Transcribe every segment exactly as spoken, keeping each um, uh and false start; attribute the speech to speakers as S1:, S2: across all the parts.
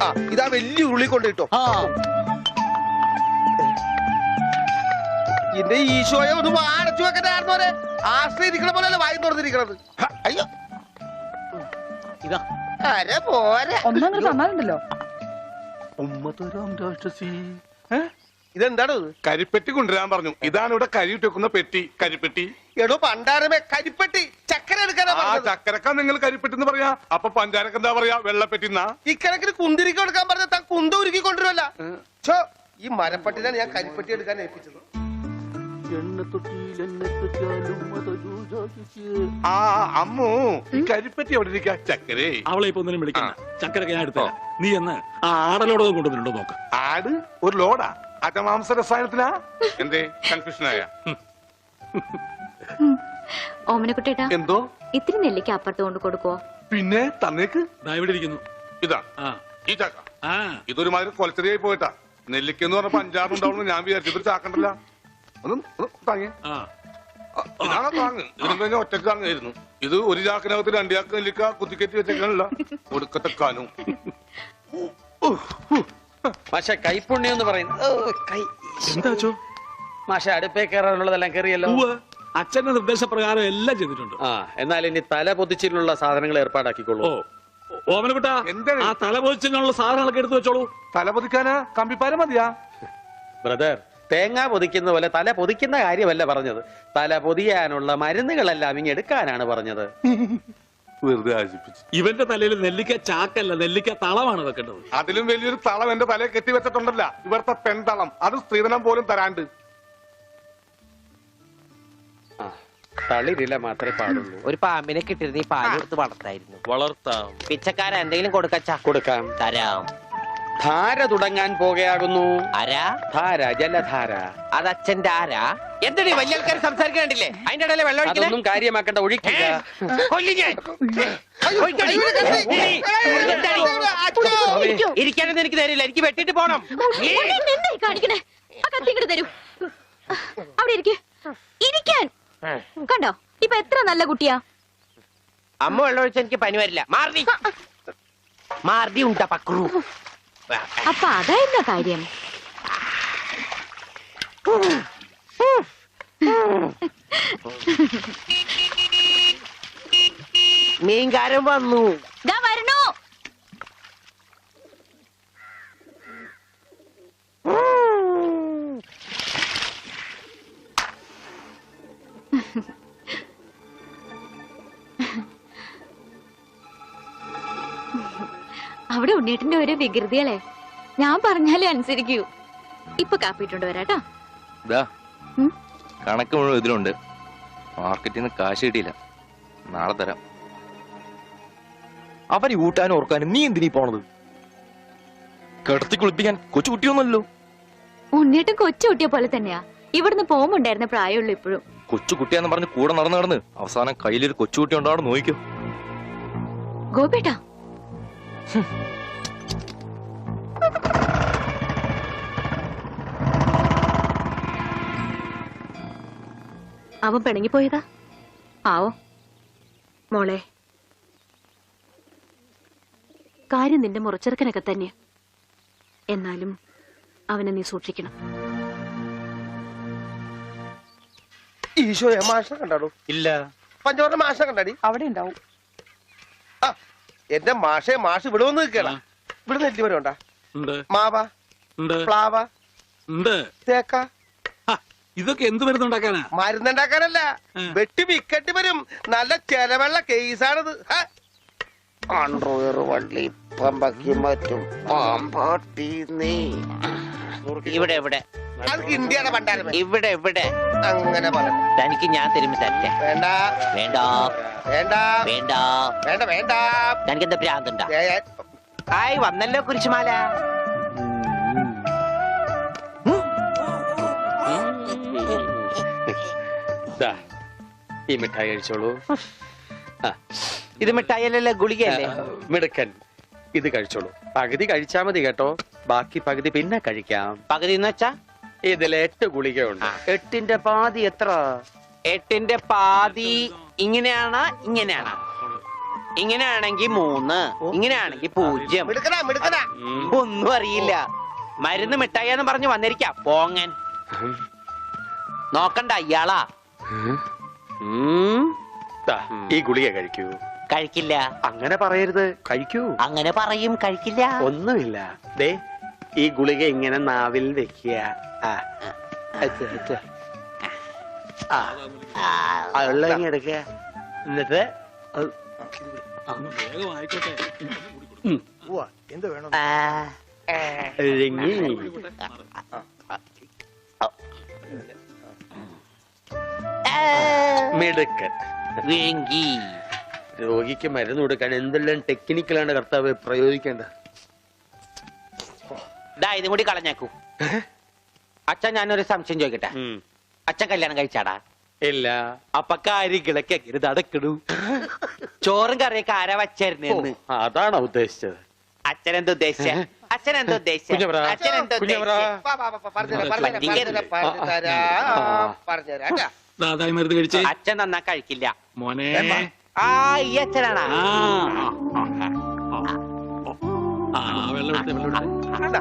S1: ആ ഇതാ വലിയ ഉരുളി കൊണ്ടിട്ടോ. എന്റെ ഈശോയെ ഒന്ന് വാടച്ചു വെക്കണ്ടായിരുന്നു പോലെ ആശ്രയിരിക്കണ പോലെയല്ല വായി തുറന്നിരിക്കണത്. അയ്യോ
S2: ഇതാ
S1: അരെ പോരെ
S3: ഒന്നങ്ങനെ തന്നാലുണ്ടല്ലോ.
S1: ഇതെന്താണ്
S4: കരിപ്പെട്ടി കൊണ്ടുവരാൻ പറഞ്ഞു. ഇതാണ് ഇവിടെ കരിയിട്ട് വെക്കുന്ന പെട്ടി. കരിപ്പെട്ടി
S1: എടോ പണ്ടാരമേ കരിപ്പെട്ടി ചക്കര എടുക്കാനാ പറഞ്ഞത്.
S4: ചക്കരക്ക നിങ്ങൾ കരിപ്പെട്ടി എന്ന് പറയാ. അപ്പൊ പഞ്ചാരക്ക് എന്താ പറയാ? വെള്ളപ്പെട്ടി.
S1: ഇക്കണക്കിന് കുന്തിരിക്ക എടുക്കാൻ പറഞ്ഞ താൻ കുന്ത ഉരുക്കി കൊണ്ടുവരല്ല. ഈ മരപ്പട്ടിനാണ് ഞാൻ കരിപ്പെട്ടി എടുക്കാൻ ഏൽപ്പിച്ചത്.
S4: ആ അമ്മു ഈ കരിപ്പെട്ടി എവിടെ ഇരിക്കാ? ചക്കരേ
S2: അവളെ ഇപ്പൊ ഒന്നിനും വിളിക്കണ്ട. ചക്കരൊക്കെ ഞാൻ എടുത്ത നീ എന്ന് ആ ആടലോടൊന്നും കൊണ്ടുവന്നിട്ടുണ്ടോ നോക്ക്.
S4: ആട് ഒരു ലോഡാ? അജമാംസ രസായനത്തിനാ? എന്തേ കൺഫ്യൂഷനായ?
S5: ഓമനക്കുട്ടേട്ടാ
S4: എന്തോ
S5: ഇത്തിരി നെല്ലിക്ക് അപ്പുറത്ത് കൊണ്ട് കൊടുക്കുവോ?
S4: പിന്നെ തന്നേക്ക്.
S2: ഇവിടെ ഇരിക്കുന്നു.
S4: ഇതാ ഈ ചക്ക. ഇതൊരുമാതിരി കൊലച്ചെറിയായി പോയിട്ടാ. നെല്ലിക്കെന്ന് പറഞ്ഞപ്പോ അഞ്ചാറുണ്ടാവുന്നു ഞാൻ വിചാരിച്ചു. ഇതൊരു ചാക്കണ്ടല്ല. ഒന്നും താങ്ങി ഇതാണ് താങ്ങ്. ഇതിനും കഴിഞ്ഞ ഒറ്റക്ക് താങ്ങായിരുന്നു. ഇത് ഒരു ചാക്കിനകത്ത് രണ്ടു ചാക്ക് നെല്ലിക്ക കുത്തിക്കറ്റി വെച്ചേക്കാനല്ല ഒടുക്കത്തെക്കാനും.
S6: മാഷ കൈപ്പുണ്യം എന്ന് പറയുന്നത് മാഷ അടുപ്പേ കയറാനുള്ളതെല്ലാം കയറിയല്ലോ.
S2: അച്ഛന്റെ നിർദ്ദേശപ്രകാരം എല്ലാം ചെയ്തിട്ടുണ്ട്.
S6: ആ എന്നാൽ ഇനി തല പൊതിച്ചിലുള്ള സാധനങ്ങൾ ഏർപ്പാടാക്കിക്കോളൂ.
S2: ഓമനക്കുട്ടാ ആ തല പൊതിച്ചിനുള്ള സാധനങ്ങളൊക്കെ എടുത്തു വെച്ചോളൂ.
S4: തല പൊതിക്കാനാ കമ്പിപ്പാര മതിയാ?
S6: ബ്രദർ തേങ്ങ പൊതിക്കുന്ന പോലെ തല പൊതിക്കുന്ന കാര്യമല്ല പറഞ്ഞത്. തല പൊതിയാനുള്ള മരുന്നുകളെല്ലാം ഇങ്ങ് എടുക്കാനാണ് പറഞ്ഞത്.
S4: വെറുതെ ആശിപ്പിച്ചു.
S2: ഇവന്റെ തലയിൽ നെല്ലിക്ക ചാക്കല്ല, നെല്ലിക്ക തളമാണ് വെക്കേണ്ടത്.
S4: അതിലും വലിയൊരു തളം എന്റെ തലയെ കെട്ടിവെച്ചിട്ടുണ്ടല്ല. ഇവിടുത്തെ പെൺതളം. അത് സ്ത്രീധനം പോലും തരാണ്ട്.
S6: തളിരില മാത്രമേ പാടുള്ളൂ.
S7: ഒരു പാമ്പിനെ കിട്ടിയിരുന്ന ഈ പാല് കൊടുത്ത് വളർത്തായിരുന്നു.
S6: വളർത്താം.
S7: പിച്ചക്കാര എന്തെങ്കിലും കൊടുക്കച്ചാ?
S6: കൊടുക്കാം.
S7: തരാം.
S6: ധാര തുടങ്ങാൻ പോകുകയാകുന്നു.
S7: ആരാ?
S6: ധാര, ജലധാര.
S7: അത് അച്ഛന്റെ ആരാ? എന്താണ് വലിയ ആൾക്കാർ സംസാരിക്കണ്ടില്ലേ? അതിന്റെ ഇടയിലെ വെള്ളം
S6: അതൊന്നും കാര്യമാക്കേണ്ട, ഒഴിക്കുക.
S7: ഇരിക്കാനൊന്നും എനിക്ക് തരില്ല. എനിക്ക് വെട്ടിട്ട് പോണം.
S5: കാണിക്കണേ ആ കത്തിങ്ങോട്ട് തരൂ. അവിടെ ഇരിക്കേ. ഇരിക്കാൻ കണ്ടോ ഇപ്പൊ എത്ര നല്ല കുട്ടിയാ.
S7: അമ്മ വെള്ളം ഒഴിച്ച എനിക്ക് പനി വരില്ല. മാർദി മാർദി ഉണ്ടാ പക്രു.
S5: അപ്പൊ അതായിരുന്ന കാര്യം.
S7: മീൻകാരൻ വന്നു.
S5: ദാ വരണു. അവിടെ ഉണ്ണീട്ടിന്റെ ഓരോ വികൃതികളെ ഞാൻ പറഞ്ഞാലേ അനുസരിക്കൂ. ഇപ്പൊ കാപ്പിട്ടുണ്ട് വരാട്ടോ.
S8: കണക്ക് മുഴുവൻ ഇതിലുണ്ട്. മാർക്കറ്റിൽ നിന്ന് കാശ് കിട്ടിയില്ല. നാളെ തരാം. അവന് ഊട്ടാനും ഓർക്കാനും നീ എന്തിനീ പോണത്? കിടത്തി കുളിപ്പിക്കാൻ കൊച്ചു കുട്ടിയൊന്നുമല്ലോ.
S5: ഉണ്ണീട്ടും കൊച്ചു കുട്ടിയെ പോലെ തന്നെയാ. ഇവിടുന്ന് പോകുമ്പോണ്ടായിരുന്ന പ്രായമുള്ളൂ ഇപ്പോഴും.
S8: കൊച്ചു കുട്ടിയാന്ന് പറഞ്ഞ് കൂടെ നടന്ന് നടന്ന് അവസാനം കയ്യിലൊരു കൊച്ചുകുട്ടി ഉണ്ടാവും. നോക്കിക്കോ
S5: ഗോപേട്ടാ. അവൻ പിണങ്ങിപ്പോയതാ ആവോ? മോളെ കാര്യം നിന്റെ മുറച്ചെറുക്കനൊക്കെ തന്നെ. എന്നാലും അവനെ നീ സൂക്ഷിക്കണം.
S1: ഈശോയെ മാഷിനെ കണ്ടാടോ?
S6: ഇല്ല.
S1: പഞ്ചവർണ്ണ മാഷിനെ കണ്ടാടി?
S3: അവിടെ ഉണ്ടാവും.
S1: ആ എന്റെ മാഷെ മാഷ് ഇവിടെ വന്ന് നിൽക്കണ. ഇവിടെ നെല്ലി വരെ ഉണ്ടാ? മാവ, പ്ലാവ, തേക്ക.
S2: ഇതൊക്കെ എന്ത് മരുന്നുണ്ടാക്കാനാ?
S1: മരുന്നുണ്ടാക്കാനല്ല, വെട്ടി വിക്കട്ടി വരും. നല്ല ചെലവുള്ള കേസാണിത്.
S7: അണ്ടർവെയർ വള്ളി പമ്പക്കി മറ്റും പാമ്പാട്ടി നീ. ഇവിടെ ഇവിടെ
S1: ഇന്ത്യയുടെ പണ്ടാരം.
S7: ഇവിടെ ഇവിടെ
S1: അങ്ങനെ പറയാം.
S7: തനിക്ക് ഞാൻ തരുമ്പോ തരട്ടെ.
S1: വേണ്ട
S7: വേണ്ട
S1: വേണ്ട
S7: വേണ്ട
S1: വേണ്ട വേണ്ട.
S7: തനിക്ക് എന്താ ഭ്രാന്തുണ്ടാ? ആയി വന്നല്ലോ കുരിശുമാല.
S6: ഈ മിഠായി കഴിച്ചോളൂ.
S7: ഇത് മിഠായിയല്ലേ, ഗുളികയല്ലേ?
S6: മിടുക്കൻ. ഇത് കഴിച്ചോളൂ. പകുതി കഴിച്ചാ മതി കേട്ടോ. ബാക്കി പകുതി പിന്നെ കഴിക്കാം.
S7: പകുതി എന്ന് വെച്ചാ
S6: ഇതിൽ എട്ട് ഗുളികയുണ്ട്.
S7: എട്ടിന്റെ പാതി എത്ര? എട്ടിന്റെ പാതി ഇങ്ങനെയാണ് ഇങ്ങനെയാണ്. ഇങ്ങനെയാണെങ്കി മൂന്ന്, ഇങ്ങനെയാണെങ്കി പൂജ്യം.
S1: മിടുക്കനാ മിടുക്കനാ.
S7: ഒന്നും അറിയില്ല. മരുന്ന് മിഠായിന്ന് പറഞ്ഞു വന്നിരിക്കാം പോങ്ങൻ. നോക്കണ്ട ഇയാളാ.
S6: ഉം. ദാ, ഈ ഗുളിക കഴിക്കൂ.
S7: കഴിക്കില്ല.
S6: അങ്ങനെ പറയരുത്, കഴിക്കൂ.
S7: അങ്ങനെ പറയും, കഴിക്കില്ല.
S6: ഒന്നുമില്ല. ദേ ഈ ഗുളിക ഇങ്ങനെ നാവിൽ വെക്കുക. ആ അച്ഛ, അച്ഛ. ആ ആ, വെള്ളം ഇങ്ങ് എടുക്കുക. എന്നിട്ട് അത്
S2: വേഗം ആയിക്കോട്ടെ.
S1: ഉവ്വ, എന്ത് വേണം?
S7: ആ,
S6: ഇറങ്ങി. മിടുക്കൻ.
S7: വേങ്കി.
S6: രോഗിക്ക് മരുന്ന് കൊടുക്കാൻ എന്തെല്ലാം ടെക്നിക്കലാണ് കർത്താവ് പ്രയോഗിക്കേണ്ടത്.
S7: ദാ ഇതും കൂടി കളഞ്ഞേക്കൂ. അച്ഛൻ ഞാനൊരു സംശയം ചോദിക്കട്ടെ.
S6: ഉം.
S7: അച്ഛൻ കല്യാണം കഴിച്ചാടാ?
S6: ഇല്ല.
S7: അപ്പൊ കാര്യങ്ങളൊക്കെ എങ്ങനെ അടക്കിടൂ? ചോറും കറിയൊക്കെ ആരാ വച്ചായിരുന്നു?
S6: അതാണോ ഉദ്ദേശിച്ചത്?
S7: അച്ഛൻ എന്താ ഉദ്ദേശിച്ച? അച്ഛൻ എന്താ ഉദ്ദേശിച്ച?
S6: കുഞ്ഞവരാ,
S7: അച്ഛൻ എന്താ
S6: കുഞ്ഞവരാ.
S7: ഉദ്ദേശിച്ച?
S1: വാ, വാ, വാ, പറഞ്ഞുതരാം, പറഞ്ഞുതരാം, പറഞ്ഞുതരാം, പറഞ്ഞുതരാം കേട്ടാ.
S2: ദാതായി മരുന്ന് കഴിച്ചേ.
S7: അച്ഛൻ നന്നാ കഴിക്കില്ല.
S2: മോനെ.
S7: ആ ഈ അച്ഛനാണാ?
S2: ആ ആ, വെള്ളം എടുത്തേ, വെള്ളം എടുത്തേ.
S1: കണ്ടാ?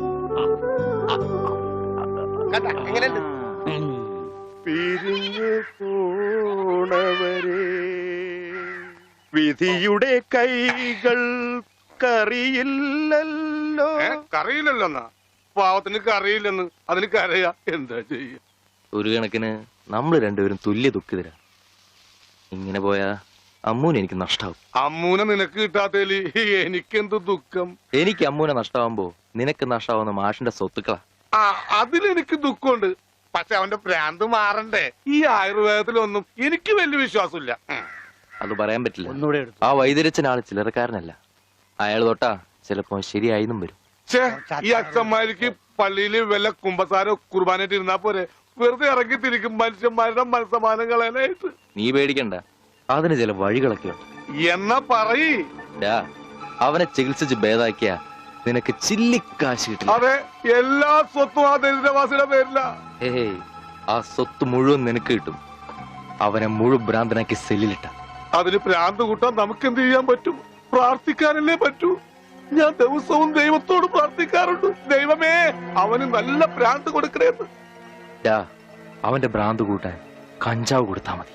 S1: കണ്ടാ എങ്ങനെയുണ്ട്?
S8: പിരിഞ്ഞു പോണവരെ വിധിയുടെ കൈകൾ കറിയില്ലല്ലോ.
S4: ഏ, കറിയില്ലല്ലോ എന്നാ പാവത്തിന് കറിയില്ലെന്ന് അതിന് കരയാ. എന്താ ചെയ്യ?
S8: ഒരു കണക്കിന് നമ്മൾ രണ്ടുപേരും തുല്യ ദുഃഖിതരാ. ഇങ്ങനെ പോയാ അമ്മൂന് എനിക്ക് നഷ്ടാവും.
S4: അമ്മൂനെ നിനക്ക് കിട്ടാത്തേല് എനിക്കെന്ത് ദുഃഖം.
S8: എനിക്ക് അമ്മൂനെ നഷ്ടാവുമ്പോ നിനക്ക് നഷ്ടാവുന്ന മാഷിന്റെ സ്വത്തുക്കളാ.
S4: ആ അതിലെനിക്ക് ദുഃഖമുണ്ട്. പക്ഷെ അവന്റെ ഭ്രാന്ത് മാറണ്ടേ? ഈ ആയുർവേദത്തിലൊന്നും എനിക്ക് വലിയ വിശ്വാസമില്ല. ഉം.
S8: അത് പറയാൻ പറ്റില്ല. ആ വൈദ്യരച്ചൻ ആള് ചില്ലറക്കാരനല്ല. അയാൾ തൊട്ടാ ചിലപ്പോ ശരിയായിന്നും വരും.
S4: ഛേ, ഈ അച്ഛന്മാർക്ക് പള്ളിയില് വല്ല കുമ്പസാരോ കുർബാനായിട്ട് ഇരുന്നാ പോരെ? വെറുതെ ഇറങ്ങി തിരിക്കും മനുഷ്യന്മാരുടെ മനസ്സമാനം കളയാനായിട്ട്.
S8: നീ പേടിക്കണ്ട, അതിന് ചില വഴികളൊക്കെ ഉണ്ട്.
S4: എന്നാ പറയ്.
S8: ഡാ, അവനെ ചികിത്സിച്ച് ഭേദാക്കിയ നിനക്ക് ചില്ലിക്കാശ് കിട്ടില്ല.
S4: അതെ, എല്ലാ സ്വത്തും ആ ദരിദ്രവാസിയുടെ പേരില.
S8: ഏയ്, ആ സ്വത്ത് മുഴുവൻ നിനക്ക് കിട്ടും. അവനെ മുഴുവൻ ഭ്രാന്തനാക്കി സെല്ലിലിട്ട.
S4: അതിന് ഭ്രാന്ത് കൂട്ടാൻ നമുക്ക് എന്ത് ചെയ്യാൻ പറ്റും? പ്രാർത്ഥിക്കാനല്ലേ പറ്റൂ. ഞാൻ ദിവസവും ദൈവത്തോട് പ്രാർത്ഥിക്കാറുണ്ട്, ദൈവമേ അവന് നല്ല ഭ്രാന്ത് കൊടുക്കണേന്ന്.
S8: ഡാ, അവന്റെ ഭ്രാന്ത് കൂട്ടാൻ കഞ്ചാവ് കൊടുത്താ മതി.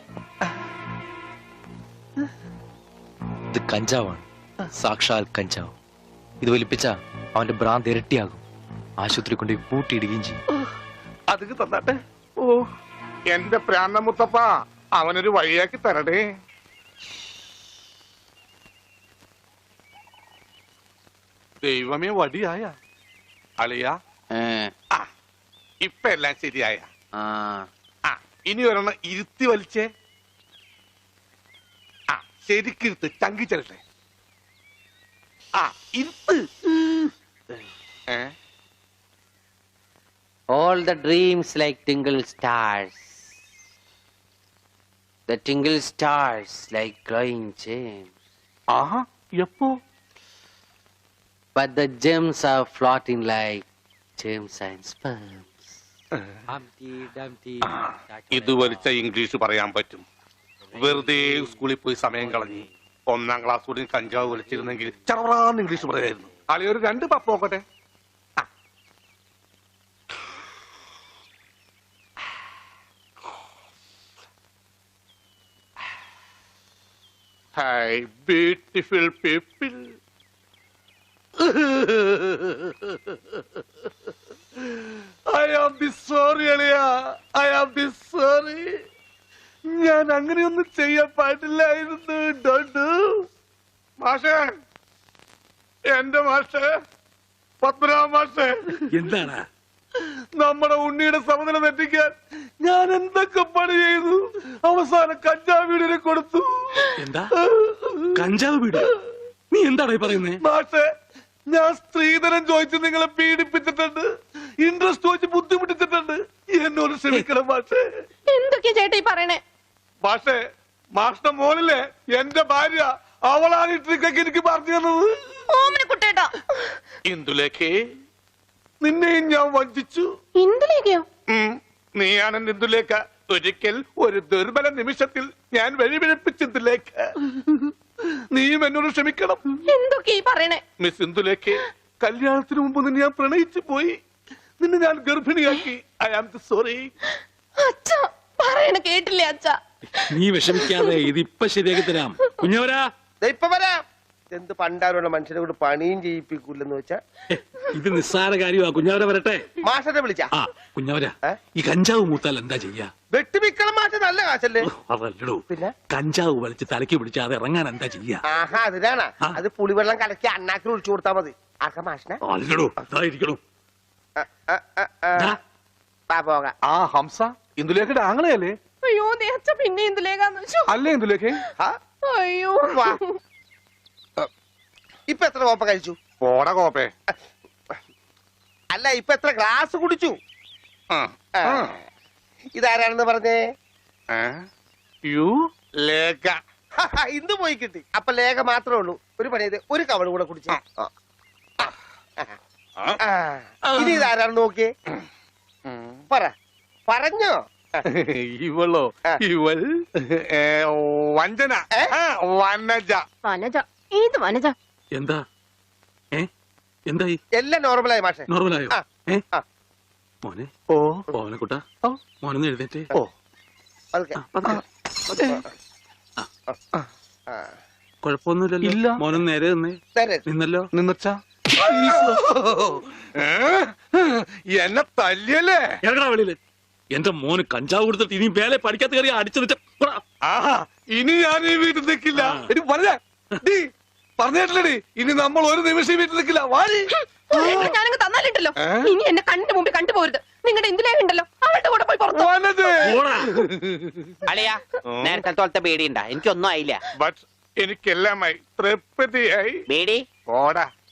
S8: ഇത് കഞ്ചാവാണ്, സാക്ഷാൽ കഞ്ചാവ്. ഇത് വലിപ്പിച്ച അവന്റെ ഭ്രാന്ത് ഇരട്ടിയാകും. ആശുപത്രി കൊണ്ട് പൂട്ടിയിടുകയും ചെയ്യും.
S4: അത് തന്നാട്ടെ. ഓ എന്റെ പ്രാണ മുത്തപ്പ, അവനൊരു വഴിയാക്കി തരടേ. ദൈവമേ, വടിയായ അളിയ. ആ ഇപ്പൊ എല്ലാം ശരിയായ. ആ ഇനി ഒരെണ്ണം ഇരുത്തി വലിച്ചേ. ആ ശരിക്കിരുത്ത്, ചങ്കി ചെല്ലട്ടെ. ആ ഇരുത്ത്. ഏ
S7: All the dreams like tingle stars. The tingle stars like glowing gems.
S4: ആഹാ, എപ്പോ?
S7: But the gems are floating like gems and sperms. Humpty Dumpty.
S4: ഇത് വലിച്ച ഇംഗ്ലീഷ് പറയാൻ പറ്റും. വെറുതെ സ്കൂളിൽ പോയി സമയം കളഞ്ഞ് ഒന്നാം ക്ലാസ് കൂടി കഞ്ചാവ് വലിച്ചിരുന്നെങ്കിൽ ചറവറാന്ന് ഇംഗ്ലീഷ് പറയായിരുന്നു. അളി ഒരു രണ്ട് പപ്പ് നോക്കട്ടെ. Hi, beautiful people. I am the sorry, അളിയ. I am the sorry. ഞാൻ അങ്ങനെയൊന്നും ചെയ്യാൻ പാടില്ലായിരുന്നു. Don't do. മാഷേ, എന്റെ മാഷേ, പത്മനാഭ മാഷേ,
S2: എന്താണ്?
S4: നമ്മുടെ ഉണ്ണിയുടെ സമനില തെറ്റിക്കാൻ ഞാൻ എന്തൊക്കെ പണി ചെയ്തു. അവസാനം കഞ്ചാവ് വീടിനെ കൊടുത്തു.
S2: എന്താ കഞ്ചാവ് വീട്? നീ എന്താണ് പറയുന്നേ?
S4: മാഷേ, ഞാൻ സ്ത്രീധനം ചോദിച്ച് നിങ്ങളെ പീഡിപ്പിച്ചിട്ടുണ്ട്, ഇൻട്രസ്റ്റ് ചോദിച്ച് ബുദ്ധിമുട്ടിച്ചിട്ടുണ്ട്. എന്നോട് ക്ഷമിക്കണം മാഷേ.
S5: എന്തൊക്കെയാ ചേട്ടാ ഈ പറയണേ?
S4: മാഷേ, മാഷിന്റെ മോനിലെ എന്റെ ഭാര്യ, അവളാണ് ഈ ട്രിക്കൊക്കെ എനിക്ക് പറഞ്ഞു തന്നത്.
S5: ഓമന കുട്ടേട്ടാ.
S4: ഇന്ദുലേഖേ, നിന്നെയും ഞാൻ വഞ്ചിച്ചു.
S5: എന്തിലേക്കോ?
S4: ഉം, നീയാണ് ഇന്ദുലേഖ. ഒരിക്കൽ ഒരു ദുർബല നിമിഷത്തിൽ ഞാൻ വഴിപിഴപ്പിച്ചതിലേക്ക് നീയും എന്നോട് ക്ഷമിക്കണം.
S5: എന്തൊക്കെ ഈ പറയണേ?
S4: മിസ് ഇന്ദുലേക്ക് കല്യാണത്തിന് മുമ്പ് നിന്നെ ഞാൻ പ്രണയിച്ചു പോയി. നിന്നെ ഞാൻ ഗർഭിണിയാക്കി. I am sorry.
S5: അച്ഛ പറയണ കേട്ടില്ലേ അച്ഛ?
S2: നീ വിഷമിക്കാതെ ഇതിപ്പൊ ശരിയാക്കി തരാം. കുഞ്ഞവരാ,
S1: ദേ ഇപ്പൊ വരാം. എന്ത് പണ്ടാരുള്ള മനുഷ്യനെ കൊണ്ട് പണിയും ചെയ്യിപ്പിക്കൂലെന്ന് വെച്ചാ
S2: ഇത് നിസ്സാര കാര്യമാ. കുഞ്ഞവര വരട്ടെ.
S1: മാഷനെ വിളിച്ചാ
S2: ആ കുഞ്ഞവര,
S1: ഏ?
S2: ഈ കഞ്ചാവ് മൂത്താൽ എന്താ ചെയ്യാ?
S1: വെട്ടിമിക്കണം മാഷ, നല്ല കാശല്ലേ?
S2: അതല്ലടോ,
S1: പിന്നെ
S2: കഞ്ചാവ് വലിച്ച് തലയ്ക്ക് പിടിച്ച് അത് ഇറങ്ങാൻ എന്താ ചെയ്യാ?
S1: ആഹാ അതിനാണ്.
S2: ആ.
S1: അത് പുളിവെള്ളം കലക്കി അണ്ണാക്കിൽ ഒഴിച്ചു കൊടുത്താ മതി. ആക്ക മാഷനെ
S2: അല്ലടോ, അതായിരിക്കണോ.
S1: ആ, ആ, ആ, ആ.
S2: ദാ,
S1: വാ പോകാം.
S4: ആ ഹംസ ഇന്ദുലേഖയുടെ ആങ്ങളെയല്ലേ?
S5: അയ്യോ ദേ അച്ഛ പിന്നെ എന്തിലേക്കാന്ന് വെച്ചോ?
S4: അല്ലേ ഇന്ദുലേഖ?
S1: ആ,
S5: അയ്യോ
S1: വാ. ഇപ്പൊ എത്ര കോപ്പ കഴിച്ചു?
S4: പോടാ കോപ്പേ.
S1: അല്ല ഇപ്പൊ എത്ര ഗ്ലാസ് കുടിച്ചു?
S4: ആ,
S1: ആ.
S4: ആ.
S1: ഇതാരാണെന്ന് പറഞ്ഞേ?
S4: ഏ? യു ലേഖ.
S1: ഇന്ന് പോയി കിട്ടി. അപ്പൊ ലേഖ മാത്രമേ ഉള്ളൂ. ഒരു പണി ചെയ്ത് ഒരു കവള് കൂടെ കുടിച്ചു. ഇനി ഇതാരാണെന്ന് നോക്കിയേ. പറ, പറഞ്ഞോ?
S4: ഇവളോ?
S1: ആ.
S4: ഇവൾ ഏ, വഞ്ചന.
S1: ഏ?
S4: ആ, വനജ.
S5: വനജ, ഏത് വനജ?
S2: എന്താ ഏ എന്തായി?
S1: എല്ലാം നോർമലായി മാഷെ.
S2: നോർമലായോ?
S1: ആ.
S2: ഏ
S1: ആ.
S2: മോനെ,
S4: ഓ
S2: മോനെക്കുട്ടാ,
S1: ഓ.
S2: മോനൊന്ന് എഴുന്നേറ്റ്.
S4: ഓ
S1: പതുക്കെ.
S2: ആ, പതുക്കെ, പതുക്കെ.
S1: ആ.
S2: കുഴപ്പമൊന്നുമില്ലല്ലോ.
S4: ഇല്ല.
S2: മോനൊന്ന് നേരെ നിന്നേ.
S1: നേരെ.
S2: നിന്നല്ലോ.
S4: നിന്നച്ചാ എന്നെ തല്ലിയല്ലേ?
S2: ഇറങ്ങടാ വെളിയില്. എന്റെ മോന് കഞ്ചാവ് കൊടുത്തിട്ട് ഇനി വേലെ പഠിക്കാത്ത കയറി അടിച്ചു വെച്ച
S4: ആഹാ, ഇനി ഞാൻ ഈ വീട്ടിൽ നിൽക്കില്ല. എടി പറഞ്ഞ പറഞ്ഞേട്ടില്ലടി, ഇനി നമ്മൾ ഒരു നിമിഷം ഈ വീട്ടിൽ നിൽക്കില്ല. വാടി.
S5: ഞാനങ്ങ് തന്നാലിട്ടല്ലോ.
S4: ഏ?
S5: ഇനി എന്നെ കണ്ണിന്റെ മുമ്പിൽ കണ്ടുപോരുത്. നിങ്ങളുടെ എന്തിലേക്ക് ഉണ്ടല്ലോ അവളുടെ കൂടെ പോയി പുറത്തു.
S4: വനജേ.
S7: അളിയാ നേരത്തെ തോളത്തെ പേടിയുണ്ടാ? എനിക്കൊന്നും ആയില്ല.
S4: ബട്ട് എനിക്കെല്ലാമായി തൃപ്തിയായി.
S7: പേടി
S4: പോടാ.